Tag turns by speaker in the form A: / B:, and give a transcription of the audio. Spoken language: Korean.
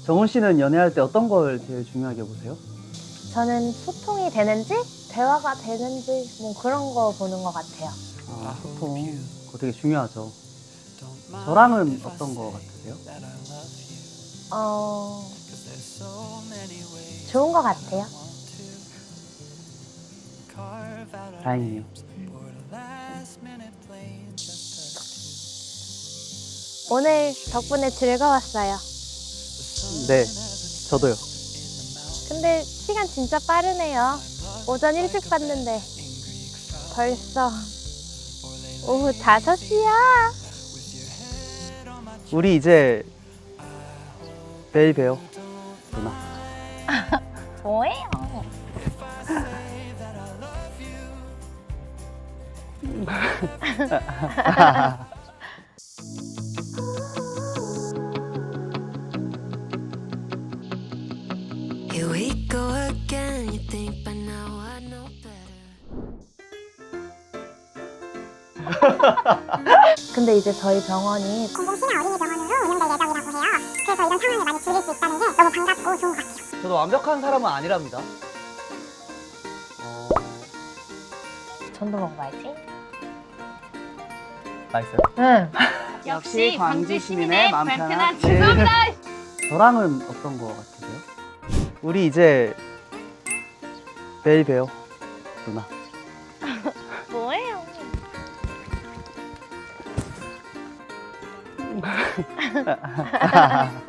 A: 정훈 씨는 연애할 때 어떤 걸 제일 중요하게 보세요?
B: 저는 소통이 되는지 대화가 되는지 뭐 그런 거 보는 것 같아요.
A: 아, 소통. 그거 되게 중요하죠. 저랑은 어떤 거 같으세요?
B: 좋은 것 같아요.
A: 다행이에요.
B: 오늘 덕분에 즐거웠어요.
A: 네, 저도요.
B: 근데 시간 진짜 빠르네요. 오전 일찍 봤는데 벌써 오후 5시야.
A: 우리 이제 내일 봬요, 누나.
B: 뭐예요?
C: Here we go again. You think by now I know better.
B: 근데 이제 저희 병원이
D: 공공신화 어린이 병원으로 운영될 예정이라고 해요. 그래서 이런 상황을 많이 즐길 수 있다는 게 너무 반갑고 좋은 것 같아요.
A: 저도 완벽한 사람은 아니랍니다.
B: 전도 먹어봐야지.
A: 맛있어요?
B: 응.
A: 역시 광주 시민의 마음 편한 죄송합니다. 저랑은 어떤 거 같으세요? 우리 이제 내일 봬요, 누나.
B: 뭐예요?